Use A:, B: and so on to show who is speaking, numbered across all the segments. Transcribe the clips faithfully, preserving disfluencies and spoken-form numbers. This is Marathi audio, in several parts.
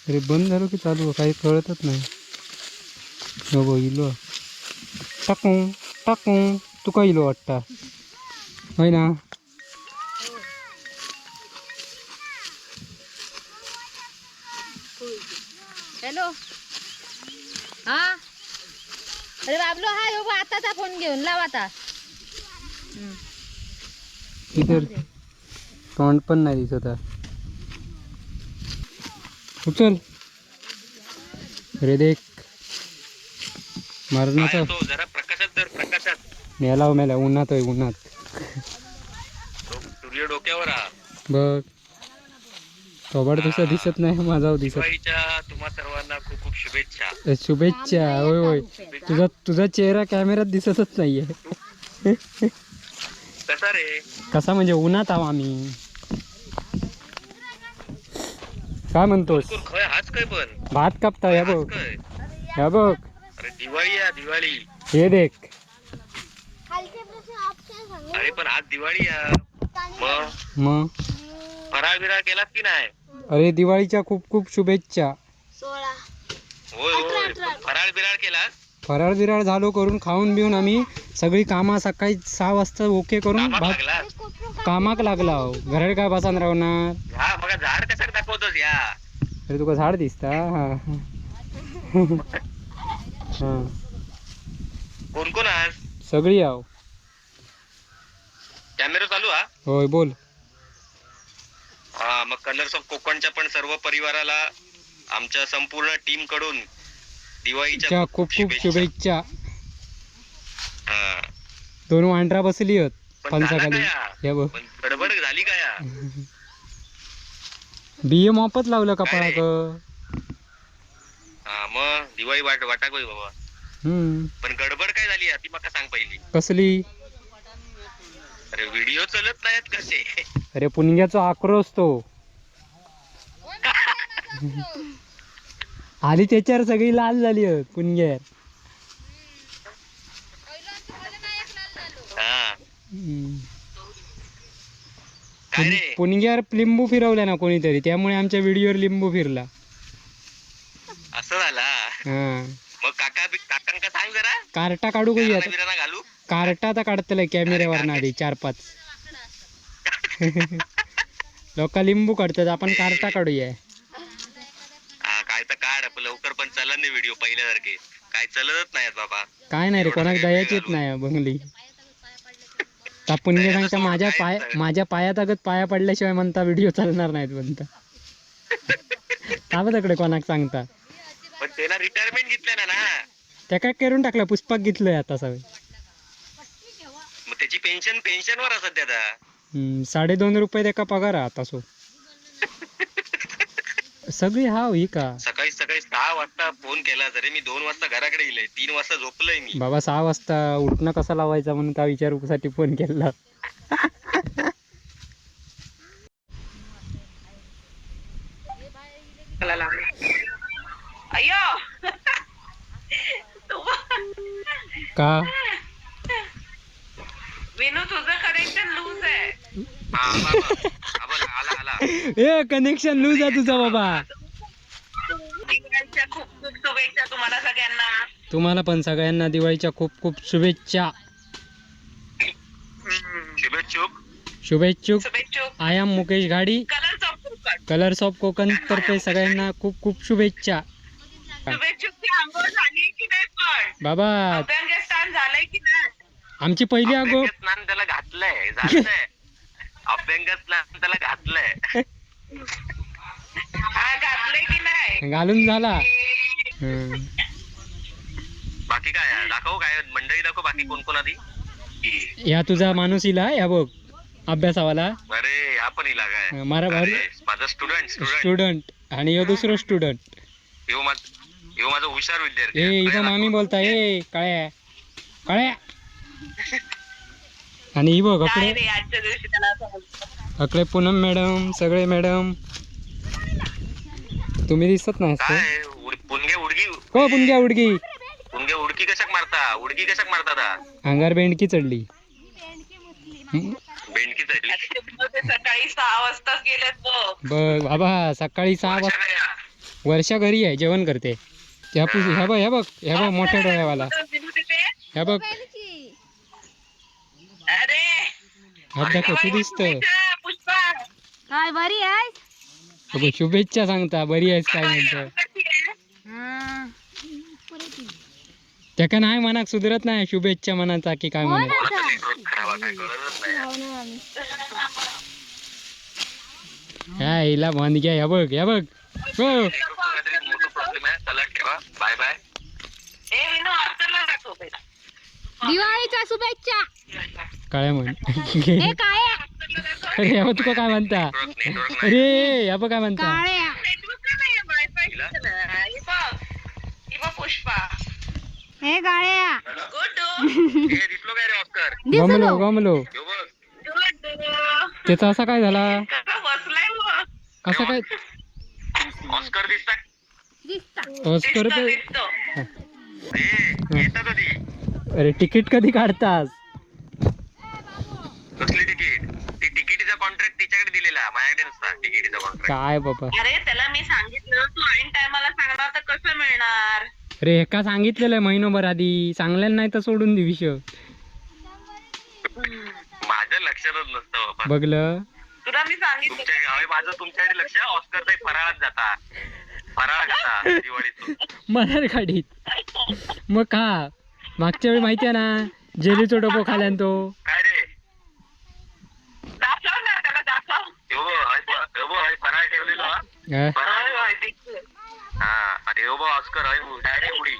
A: अरे बंद झालो की चालू काही कळतच नाही. हो इलो टाकू टाकू तुका इलो वाटता होय ना.
B: हॅलो हा अरे बाबलो हा यो आताचा फोन घेऊन लाव आता.
A: इधर तोंड पण नाही दिसत. उचल अरे देख मरणाचा
C: जरा प्रकाशात तर प्रकाशात
A: मेला मेला उन्हात आहे उन्हात.
C: सूर्य डोक्यावर हा.
A: बघ थोबाड तुझा दिसत नाही माझा दिसत.
C: दिवाळीच्या तुम्हा सर्वांना खूप खूप शुभेच्छा.
A: शुभेच्छा. होय होय तुझा तुझा चेहरा कॅमेऱ्यात दिसतच नाहीये.
C: कसा रे
A: कसा म्हणजे उन्हात आहो आम्ही. काय म्हणतोस
C: खय हाच काय पण
A: भात कापता या बघ
C: काय
A: या बघ.
C: अरे दिवाळी आहे दिवाळी.
A: हे देख
C: अरे पण आज दिवाळी आहे मग
A: मग
C: फराळ बिराळ केलास की नाही.
A: अरे दिवाळीच्या खूप खूप शुभेच्छा.
C: होय होय पण फराळ बिराळ केलास.
A: फराळ बिराळ झालो करून खाऊन बिऊन आम्ही सगळी कामा सकाळी सहा वाजता ओके करून
C: कामाक
A: भात
C: लागलास.
A: कामाक लागला हो. घरात काय बसान राहणार.
C: हा बघा झाड कसं दाखवतोस या.
A: अरे तुका झाड दिसता हा हा
C: कोण कोण आज
A: सगळी आहो.
C: कॅमेरा चालू हा.
A: होय बोल.
C: हा मग कलर्स ऑफ कोकणच्या पण सर्व परिवाराला आमच्या संपूर्ण टीम कडून दिवाळीच्या
A: खूप खूप शुभेच्छा.
C: हा
A: दोन वांढरा बसली आहेत
C: पण झाला
A: फणसाखाली.
C: काय हा?
A: हे बघ
C: पण गडबड झाली काय हा?
A: बिये मापत लावलं कपाळाक.
C: हा मग दिवाळी वाट वाटा गोय बाबा.
A: हम्म
C: पण गडबड काय झाली ती मका सांग पहिली.
A: कसली.
C: अरे व्हिडिओ चलत नाहीत कसे.
A: अरे पुणग्याचा आक्रोश तो आली त्याच्यावर सगळी लाल झाली आहेत पुणग्यात.
C: हा
A: हम्म.
C: काय रे
A: पुणग्यावर लिंबू फिरवला ना कोणीतरी त्यामुळे आमच्या व्हिडिओवर लिंबू फिरला.
C: असं झाला.
A: हा
C: मग काका काकांका सांग जरा
A: कार्टा काढू काही आता.
C: बिराणा घालू.
A: कार्टा आता काढतलंय कॅमेऱ्यावर आधी चार पाच लोक लिंबू काढतात आपण कार्टा काढूया.
C: हा काय तर काढ लवकर पण चला नाही व्हिडिओ पहिल्यासारखे काय चलतच नाहीत बाबा.
A: काय नाही रे कोणाक दयाच येत नाही बंगली. पुण्य सांगता माझ्या पाय माझ्या पायात अगत पाया पडल्याशिवाय म्हणता व्हिडिओ चालणार नाहीत म्हणता. ताबतकडे कोणाक सांगता.
C: पण त्याला रिटायरमेंट घेतलं ना ना.
A: त्या काय करून टाकलं पुष्पक घेतलंय आता सगळं.
C: मग त्याची पेन्शन पेन्शन वर सध्या आता.
A: हम्म साडे दोन रुपये त्याका पगार आता सो सगळी हाव ही का.
C: सकाळी सकाळी सहा वाजता फोन केला तरी मी दोन वाजता घराकडे गेलोय तीन वाजता झोपलोय मी.
A: बाबा सहा वाजता उठणं कसा लावायचा म्हणून त्या विचारूसाठी फोन केला.
D: अय्यो
A: का
D: विनू तुझं कनेक्शन लूज आहे.
C: हा बाबा आबा आला आला.
A: ए कनेक्शन लूज आहे तुझा बाबा.
D: दिवाळीच्या खूप खूप शुभेच्छा तुम्हाला सगळ्यांना.
A: तुम्हाला पण सगळ्यांना दिवाळीच्या खूप खूप शुभेच्छा.
C: शुभेच्छुक
A: शुभेच्छुक.
D: शुभेच्छुक.
A: I am Mukesh Ghadi
D: colours of Kokan.
A: Colours of Kokan तर्फे सगळ्यांना खूप खूप शुभेच्छा.
D: शुभेच्छुकची आंघोळ झाली की नाही पण
A: बाबा
D: अभ्यंगस्नान झालंय की नाही.
A: आमची पहिली आगो
C: स्नान त्याला घातलंय झालंय. अभ्यंग स्नान त्याला घातलंय.
D: हा घातलंय की नाही.
A: घालून झाला. हम्म.
C: बाकी काय आहे? दाखव काय मंडळी दाखव बाकी कोण कोण आधी.
A: या तुझा माणूस इला या बघ अभ्यासावाला.
C: अरे आपण इला काय
A: मारा भाऊ
C: माझा स्टुडंट स्टुडंट
A: स्टुडंट आणि यो दुसरं स्टुडंट.
C: यो माझ यो माझा हुशार विद्यार्थी.
A: ए इथं मामी बोलता ए काळ्या काळ्या. आणि ही बघ
D: काय
A: अकडे
D: रे आजच्या दिवशी त्याला असं बोलतो.
A: अकडे पूनम मॅडम सगळे मॅडम तुम्ही दिसत नाही
C: काय उड- पुणग्या उडगी
A: हो पुणग्या उडगी
C: पुणग्या उडकी कशाक मारता उडकी कशाक मारता दा?
A: अंगार बेंडकी चढली.
C: बेंडकी चढली.
D: ते सकाळी सहा वाजताच गेलेत बघ.
A: बघ बाबा सकाळी सहा वाजता वर्षा घरी आहे जेवण करते. ह्या पुस ह्या बघ ह्या बघ ह्या बघ मोठ्या डोळ्यावाला
D: दिनू तिथे
A: ह्या बघ
D: अरे
A: हात दाखव तू दिसत.
D: शुभेच्छा, पुष्पा
B: काय बरी आहे?
A: शुभेच्छा सांगता बरी आहेस काय म्हणतं.
D: कशी आहे?
B: हा.
A: त्याका नाही मनाक सुधरत नाही शुभेच्छा मनाचा की काय म्हणत.
C: कोणाचा नेटवर्क खराब आहे, काय कळतच नाही.
A: ह्या हिला बंद घ्या ह्या बघ ह्या बघ हो
C: नेटवर्कचा काहीतरी मोठा प्रॉब्लेम आहे. चला ठेवा, बाय बाय.
D: ए विनू ऑस्करला दाखव पहिला.
B: दिवाळीच्या शुभेच्छा.
A: काळ्या म्हण.
B: हे काय
A: अरे ह्या बघ तुका काय म्हणता.
C: नेटवर्क नेटवर्क नाही.
A: अरे ह्या बघ काय म्हणता.
B: काळ्या
D: नेटवर्क नाही वायफाय ना. हे बघ हे बघ पुष्पा
B: हे काळ्या
D: गुड
C: हे दिसलो काय रे ऑस्कर?
A: गमलो
B: दिसलो.
A: गमलो.
C: ह्यो बघ.
D: गुड
A: त्याचा असा काय झाला
D: कसा बसलाय मग
A: असा काय
C: ऑस्कर दिसता?
B: दिसता.
A: ऑस्कर
D: दिसतो
A: तर
D: दिसतो
C: ए येतं कधी?
A: अरे तिकीट कधी काढतास.
C: कसली तिकीट? ती तिकीटीचा कॉन्ट्रॅक्ट तिच्याकडे दिलेला, माझ्याकडे नसता तिकीटीचा कॉन्ट्रॅक्ट.
A: काय बाबा.
D: अरे त्याला मी सांगितलं तू ऐन टायमाला सांगणार तर कसं मिळणार.
A: अरे एका सांगितलेलं महिनोभर आधी सांगलेलं नाही तर सोडून दे विषय.
C: माझ्या लक्षातच नसतं बाबा.
A: बघलं
D: तुला मी सांगितलं
C: तुमच्या अरे माझं तुमच्याकडे लक्ष ऑस्कर फराळात जाता फराळात जाता दिवाळीतून.
A: मनार गाडीत मग का मागच्या वेळी माहिती आहे ना जेलीचो डबो खाल्यान तो.
C: काय रे?
D: दाखव ना त्याला दाखव.
C: ह्यो बघ, हय फ- ह्यो बघ, हय फराळ ठेवलेलो हा.
A: हा?
C: फराळ
D: होय, दिसतोय.
C: हा आणि ह्यो बघ ऑस्कर हय डायरेक्ट उडी.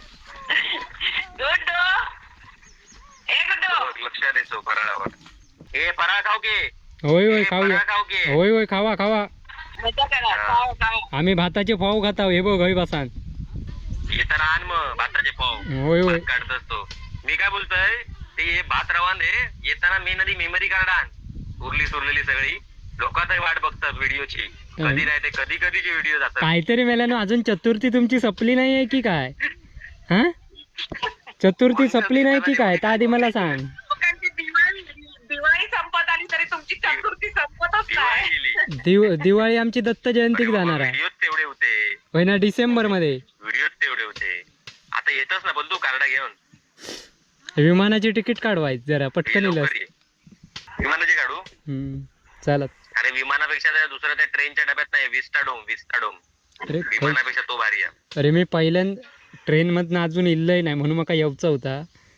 D: गुड ए गुड
C: बघ, लक्ष द्यायचो फराळावर. ए फराळ खाऊ की.
A: होय होय
C: ए,
A: खाऊया.
C: फराळ खाऊ की.
A: होय होय खावा खावा.
D: मजा करा खाओ खाओ.
A: आम्ही भाताचे पाव खाताव हे बघ हय बसान.
C: येताना आण मग भाताचे पाव.
A: होय होय
C: भात काढत असतो. मी काय बोलतोय ते हे भात रवान दे येताना मेन आधी मेमरी कार्ड आण. उरली सुरलेली सगळी लोक तरी वाट बघतात व्हिडिओची. कधी नाही ते कधी कधीचे व्हिडिओ जातात.
A: काहीतरी मेल्यानं अजून चतुर्थी तुमची सपली नाही आहे की काय. हा चतुर्थी सपली नाही की काय त्या आधी मला सांग.
D: लोकांची दिवाळी दिवाळी संपत आली तरी तुमची चतुर्थी संपतच
C: दिवाळी
D: नाही.
C: गेली.
A: दिव दिवाळी आमची दत्त जयंतीक जाणार आहे
C: व्हिडिओ तेवढे होते.
A: होय ना डिसेंबर मध्ये.
C: व्हिडिओ तेवढे होते. आता येतच ना बंधू कार्ड घेऊन.
A: विमानाची तिकीट काढवायच जरा
C: ये
A: पटकन
C: लवकर
A: इलस.
C: ये. विमानाची काढू?
A: हम्म चालत.
C: अरे विमानापेक्षा त्या दुसऱ्या त्या ट्रेनच्या डब्यात नाही विस्टाडोम विस्टाडोम
A: अरे खै-
C: विमानापेक्षा तो भारी आहे.
A: अरे मी पहिल्यांदा ट्रेन मधनं अजून इल्लय नाही म्हणून मका येऊचा होता.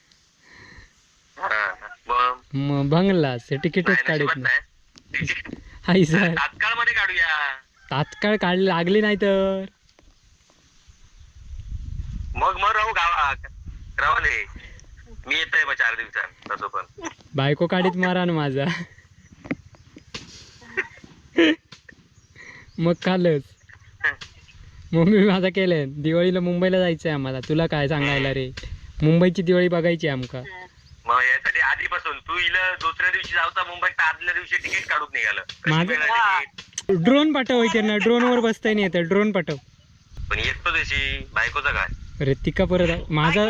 C: हा, मग
A: मग भंगलास हे तिकीटच
C: नाही,
A: काढत
C: नशिबात
A: नाही.
C: नाही.
A: हाय सर
C: तात्काळ मध्ये काढूया.
A: तात्काळ काढ लागली नाही तर
C: मग मग राहू गावात रावले. मी येतोय मग चार दिवसात तसं पण.
A: बायको काढीत मारा ना माझा. मग कालच मम्मी माझा केलंय दिवाळीला मुंबईला जायचंय आम्हाला. तुला काय सांगायला रे मुंबईची दिवाळी बघायची आमका.
C: मग यासाठी आधीपासून तू इला दुसऱ्या दिवशी जाऊचा मुंबईत तर आदल्या दिवशी तिकीट काढून निघालं. कशी
A: माझं-
C: मिळालं तिकीट?
A: ड्रोन पाठव होय त्यांना ड्रोन वर बसताय नाही येतं ड्रोन पाठव.
C: पण येतो तशी बायकोचा काय.
A: अरे तिका परत माझा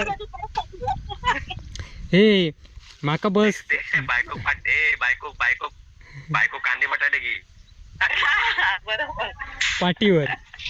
A: हे माका बस
C: ते बायको पाट ए बायको बायको बायको कांदे बटाटे घे.
D: बरोबर
A: पाठीवर.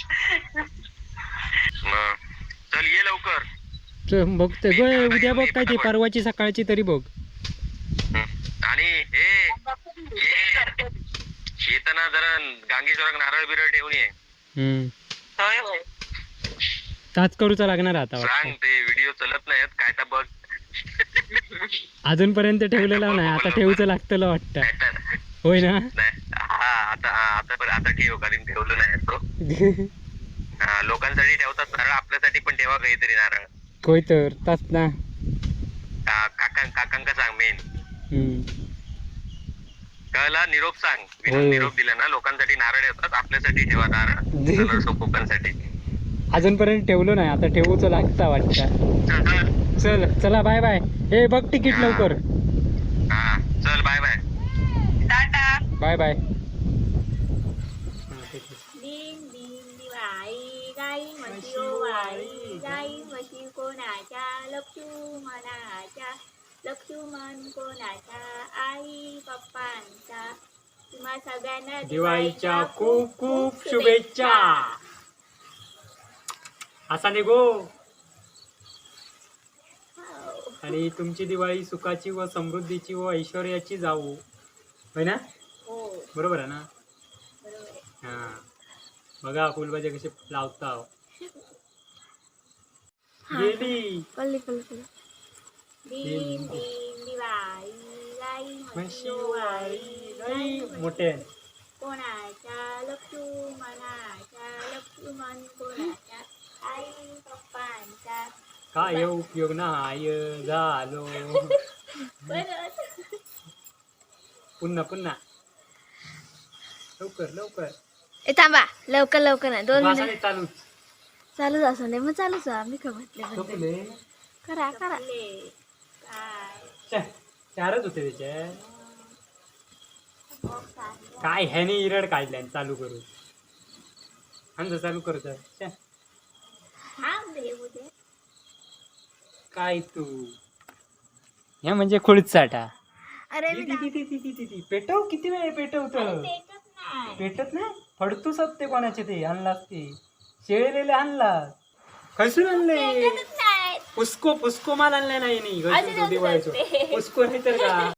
C: मग चल ये लवकर.
A: च- बघते ग उद्या बघ काय ती परवाची सकाळची तरी बघ.
C: हं. आणि हे ये. येताना जरा गांगेश्वराक नारळ बिरळ ठेवून ये.
A: हम्म
D: होय होय
A: ताच करूचा लागणार आता
C: सांग
A: वाटतं.
C: ते व्हिडिओ चलत नाहीत काय तर बघ.
A: अजूनपर्यंत ठेवलेलं नाही आता ठेवूचं लागतं वाटतं.
C: नाही तर-
A: होय ना.
C: नाही. हा आता हा, आता पण आता ठेव कारण ठेवलं नाही तो. हा, लोकांसाठी ठेवतात नारळ आपल्यासाठी पण ठेवा काहीतरी नारळ.
A: होय तर ताच ना.
C: का- काकां काकांका सांग मेन
A: हम्म
C: कळला. निरोप सांग.
A: होय.
C: विनोद निरोप दिला ना लोकांसाठी नारळ ठेवतात आपल्यासाठी ठेवा नारळ. कलर कोकणसाठी.
A: अजूनपर्यंत ठेवलं नाही आता ठेवूचं लागतं वाटतं.
C: चल चल.
A: चल चला बाय बाय. हे बघ तिकीट लवकर.
C: हा चल bye bye.
D: Tata.
A: Bye bye.
B: दिन दिन दिवाळी गाई म्हशी ओवाळी गाई म्हशी कोणाच्या लक्ष्मणाच्या लक्ष्मण कोणाच्या आई पप्पांचा. तुम्हा सगळ्यांना
A: दिवाळीच्या खूप खूप शुभेच्छा. असा निघो आणि तुमची दिवाळी सुखाची व समृद्धीची व ऐश्वर्याची जावो, होय ना? बरोबर आहे ना? हा बघा फुलभाज्या कसे लावता. गेली
B: कळली कळली कळली.
A: मोठे
B: कोणाच्या लक्ष्मणाच्या लक्ष्मण कोणाच्या आई पप्पांच्या
A: काय उपयोग नाही झालो. पुन्हा पुन्हा लवकर लवकर
B: ए थांबा लवकर लवकर नाही दोन
A: वासाने
B: मिनिट
A: चालू
B: चालूच असं नाही मग चालूच आहे. मी का म्हटले
A: झोपले.
B: करा करा
A: चा- चारच होते त्याचे. काय ह्याने इरड काढल्या चालू करू आमचं चालू करत. काय तू ह्या म्हणजे खुळीत साठा.
B: अरे
A: ती- ती- ती- ती- ती- ती- ती. पेटव किती वेळ पेटवत पेटत नाही फडतूस ते कोणाचे ते आणलास ते शेळलेले आणलास. खैसून आणले पुस्को पुस्को माल आणला नाही नाही दिवाळीचो पुस्को नाही तर का